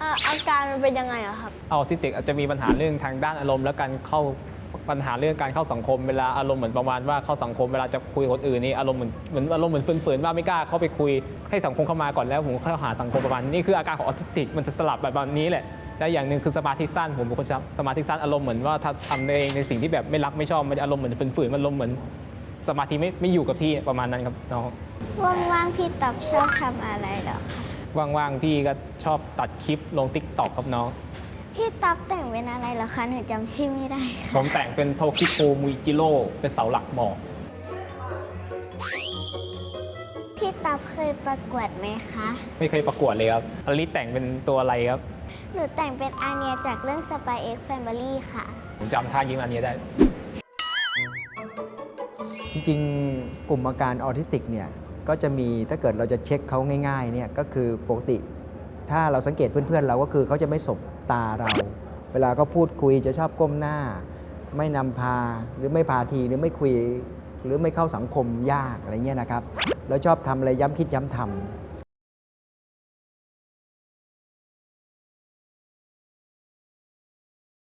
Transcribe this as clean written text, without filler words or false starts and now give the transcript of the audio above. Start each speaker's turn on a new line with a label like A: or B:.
A: อาการมันเป็นยังไงอะครับ
B: ออทิสติกอาจจะมีปัญหาเรื่องทางด้านอารมณ์และการเข้าปัญหาเรื่องการเข้าสังคมเวลาอารมณ์เหมือนประมาณว่าเข้าสังคมเวลาจะคุยกับคนอื่นนี่อารมณ์เหมือนฝืนๆว่าไม่กล้าเข้าไปคุยให้สังคมเข้ามาก่อนแล้วผมเข้าหาสังคมประมาณนี้คืออาการของออทิสติกมันจะสลับแบบนี้แหละและอย่างหนึ่งคือสมาธิสั้นผมเป็นคนสมาธิสั้นอารมณ์เหมือนว่าถ้าทำเองในสิ่งที่แบบไม่รักไม่ชอบมันอารมณ์เหมือนฝืนๆมันอารมณ์เหมือนสมาธิไม่อยู่กับที่ประมาณนั้นครับน้อง
A: ว่างๆพี่ตับชอบทำอะไรเหรอคะ
B: ว่างๆพี่ก็ชอบตัดคลิปลง TikTok ครับน้อง
A: พี่ตับแต่งเป็นอะไรเหรอคะหนูจำชื่อไม่ได้ค่ะ
B: ผมแต่งเป็นโทคิโทมุยจิโร่เป็นเสาหลักหมอก
A: พี่ตับเคยประกวดไหมคะ
B: ไม่เคยประกวดเลยครับอลิสแต่งเป็นตัวอะไรครับ
A: หนูแต่งเป็นอาเนียจากเรื่อง Spy X Family ค่ะ
B: ผมจำท่ายิ้มอันนี้ได้
C: จริงๆกลุ่มอาการออทิสติกเนี่ยก็จะมีถ้าเกิดเราจะเช็คเขาง่ายๆเนี่ยก็คือปกติถ้าเราสังเกตเพื่อนๆเราก็คือเขาจะไม่สบตาเราเวลาเขาพูดคุยจะชอบก้มหน้าไม่นำพาหรือไม่พาทีหรือไม่คุยหรือไม่เข้าสังคมยากอะไรเงี้ยนะครับแล้วชอบทำอะไรย้ำคิดย้ำทำ